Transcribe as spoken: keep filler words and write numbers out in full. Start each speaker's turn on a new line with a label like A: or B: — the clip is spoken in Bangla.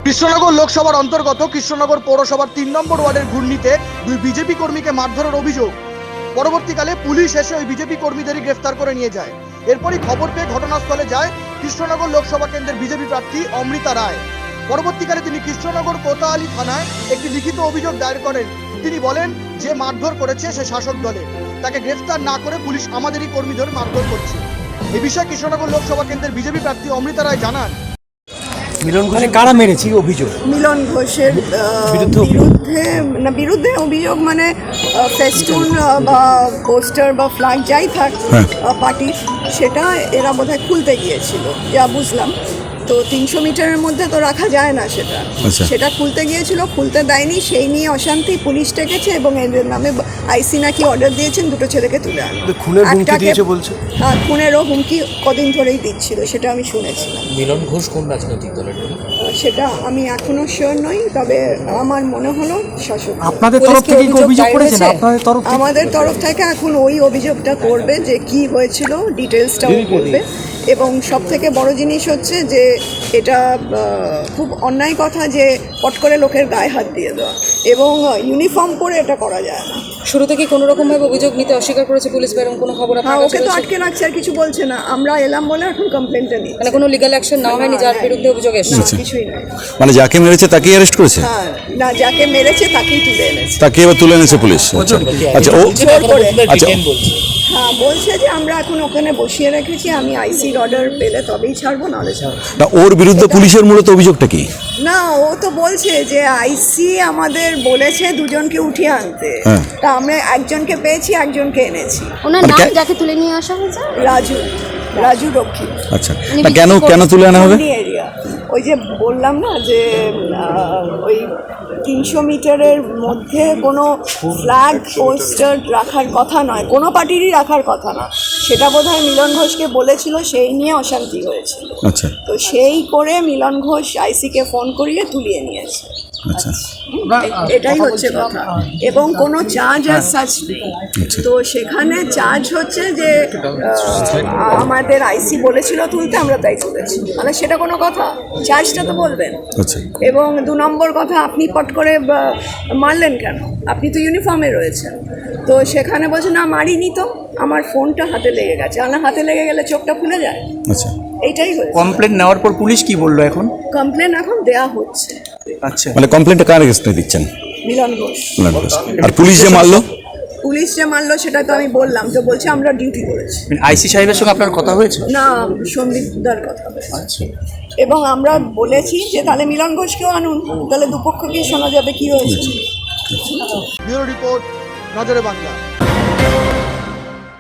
A: কৃষ্ণনগর লোকসভার অন্তর্গত কৃষ্ণনগর পৌরসভার তিন নম্বর ওয়ার্ডের ঘূর্ণিতে দুই বিজেপি কর্মীকে মারধরের অভিযোগ। পরবর্তীকালে পুলিশ এসে ওই বিজেপি কর্মীদেরই গ্রেফতার করে নিয়ে যায়। এরপরই খবর পেয়ে ঘটনাস্থলে যায় কৃষ্ণনগর লোকসভা কেন্দ্রের বিজেপি প্রার্থী অমৃতা রায়। পরবর্তীকালে তিনি কৃষ্ণনগর কোতোয়ালি থানায় একটি লিখিত অভিযোগ দায়ের করেন। তিনি বলেন, যে মারধর করেছে সে শাসক দলে, তাকে গ্রেফতার না করে পুলিশ আমাদেরই কর্মীদের মারধর করছে। এই বিষয়ে কৃষ্ণনগর লোকসভা কেন্দ্রের বিজেপি প্রার্থী অমৃতা রায় জানান,
B: মিলন ঘোষে কারা মেরেছে অভিযোগ?
C: মিলন ঘোষের বিরুদ্ধে না বিরুদ্ধে অভিযোগ মানে ফেস্টুন বা পোস্টার বা ফ্ল্যাগ যাই থাক পার্টির, সেটা এরা বোধহয় খুলতে গিয়েছিল যা বুঝলাম। তো তিনশো মিটারের মধ্যে তো রাখা যায় না সেটা, সেটা খুলতে গিয়েছিল, খুলতে দেয়নি, সেই নিয়ে অশান্তি, পুলিশ ডেকেছে এবং এদের নামে আইসি নাকি অর্ডার দিয়েছেন দুটো ছেলেকে তুলে আনো।
B: খুনের হুমকি দিয়েছে বলছে।
C: হ্যাঁ, খুনেরও হুমকি কদিন ধরেই দিচ্ছিল, সেটা আমি শুনেছিলাম।
D: মিলন ঘোষ কোন রাজনৈতিক দলের?
C: সেটা আমি এখনো শিওর নই, তবে আমার মনে হলো শাসক।
B: আপনাদের তরফ থেকে কি অভিযোগ করেছেন? আপনাদের তরফ থেকে?
C: আমাদের তরফ থেকে এখন ওই অভিযোগটা করবে, যে কি হয়েছিল ডিটেলসটাও করবে। এবং সব থেকে বড় জিনিস হচ্ছে যে এটা খুব অন্যায় কথা যে পট করে লোকের গায়ে হাত দিয়ে দেওয়া, এবং ইউনিফর্ম পরে এটা করা যায় না।
E: শুরু থেকে কোনো রকমভাবে অভিযোগ নিতে অস্বীকার করেছে পুলিশ, বা এরকম কোনো খবর আপনার
C: হ্যাঁ,
E: কাছে
C: ওকে তো
E: রয়েছে?
C: আটকে রাখছে, আর কিছু বলছে না। আমরা এলাম বলে এখন কমপ্লেনটা নিই,
E: মানে কোনো লিগ্যাল অ্যাকশন নেওয়া হয়নি যার বিরুদ্ধে অভিযোগ এসেছে?
C: কিছুই নয়।
F: মানে যাকে মেরেছে তাকেই অ্যারেস্ট করেছে?
C: হ্যাঁ, না, যাকে মেরেছে তাকেই তুলে এনেছে।
F: তাকে এবার তুলে এনেছে পুলিশ? আচ্ছা আচ্ছা ও
C: জোর করে।
F: আচ্ছা
C: হ্যাঁ, বলছে যে আমরা এখন ওখানে বসিয়ে রেখেছি, আমি আইসির অর্ডার পেলে তবেই ছাড়বো, নাহলে ছাড়বো
F: না। ওর বিরুদ্ধে পুলিশের মূলত অভিযোগটা কি?
C: না, ও তো বলছে যে আইসি আমাদের বলেছে দুজনকে উঠিয়ে আনতে, তা আমরা একজনকে পেয়েছি, একজনকে এনেছি।
G: ওনার নাম যাকে তুলে নিয়ে আসা হয়েছে
C: রাজু, রাজু রক্ষী।
F: আচ্ছা, না কেন কেন তুলে আনা হবে?
C: এরিয়া ওই যে বললাম না যে ওই তিনশো মিটারের মধ্যে কোনো ফ্ল্যাগ পোস্টার রাখার কথা নয়, কোনো পার্টিরই রাখার কথা না, সেটা বোধহয় মিলন ঘোষকে বলেছিল, সেই নিয়ে অশান্তি হয়েছিল।
F: আচ্ছা, তো
C: সেই করে মিলন ঘোষ আইসিকে ফোন করিয়ে তুলিয়ে নিয়েছে।
F: আচ্ছা,
C: এটাই হচ্ছে কথা, এবং কোনো চার্জ আর সাচ নেই। তো সেখানে চার্জ হচ্ছে যে আমাদের আইসি বলেছিল তুলতে, আমরা তাই তুলেছি, মানে সেটা কোনো কথা? চার্জটা তো বলবেন।
F: আচ্ছা,
C: এবং দু নম্বর কথা, আপনি পট করে মারলেন কেন? আপনি তো ইউনিফর্মে রয়েছেন। তো সেখানে বলছে না, মারিনি তো, আমার ফোনটা হাতে লেগে গেছে। আমার হাতে লেগে গেলে চোখটা খুলে যায়?
F: আচ্ছা,
C: এইটাই হয়েছে।
B: কমপ্লেন নেওয়ার পর পুলিশ কি বললো এখন?
C: কমপ্লেন এখন দেয়া হচ্ছে।
B: আচ্ছা,
F: মানে কমপ্লেনটা কার এগেইনস্টে দিচ্ছেন?
C: মিলন ঘোষ।
F: মিলন ঘোষ। আর পুলিশ যে মারলো?
C: পুলিশ যে মারলো সেটা তো আমি বললাম, তো বলছে আমরা ডিউটি করেছি।
B: আইসি সাহেবের সঙ্গে আপনার কথা হয়েছে?
C: না, সন্দীপদার কথা হয়েছে। এবং আমরা বলেছি যে তাহলে মিলন ঘোষকেও আনুন, তাহলে দুপক্ষকে শোনা যাবে কি হয়েছে।
A: ব্যুরো রিপোর্ট, নজরে বাংলা।